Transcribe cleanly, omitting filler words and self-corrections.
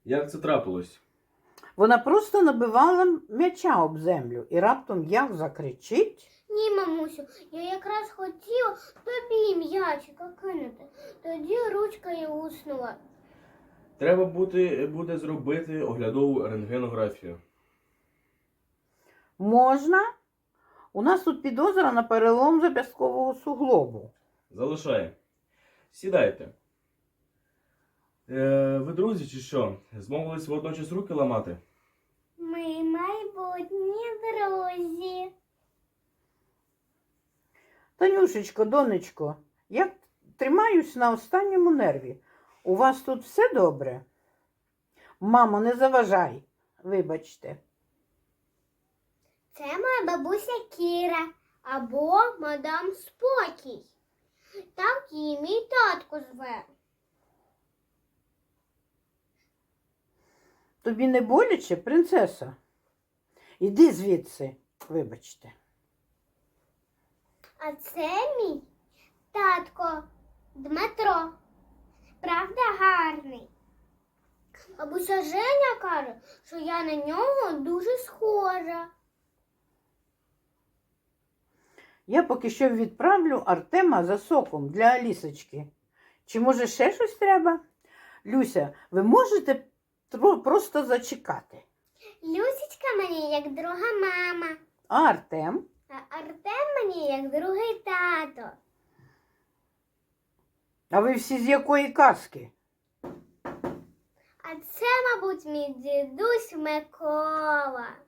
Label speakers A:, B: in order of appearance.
A: Як це трапилось?
B: Вона просто набивала м'яча об землю і раптом як закричить.
C: Ні, мамусю, я якраз хотіла тобі м'ячика кинути. Тоді ручка і уснула.
A: Треба буде зробити оглядову рентгенографію.
B: Можна? У нас тут підозра на перелом зап'ясткового суглобу.
A: Залишай. Сідайте. Ви друзі чи що? Змовились водночас руки ламати?
C: Ми майбутні друзі.
B: Танюшечко, донечко, я тримаюсь на останньому нерві. У вас тут все добре? Мамо, не заважай, вибачте.
C: Це моя бабуся Кіра або мадам Спокій. Так її мій татко зве.
B: Тобі не боляче, принцеса? Іди звідси, вибачте.
C: А це мій татко Дмитро. Правда, гарний. Бабуся Женя каже, що я на нього дуже схожа.
B: Я поки що відправлю Артема за соком для Алісочки. Чи може ще щось треба? Люся, ви можете просто зачекати.
C: Люсічка мені як друга мама,
B: А Артем?
C: а Артем мені як другий тато.
B: А ви всі з якої казки?
C: А це, мабуть, мій дідусь Микола.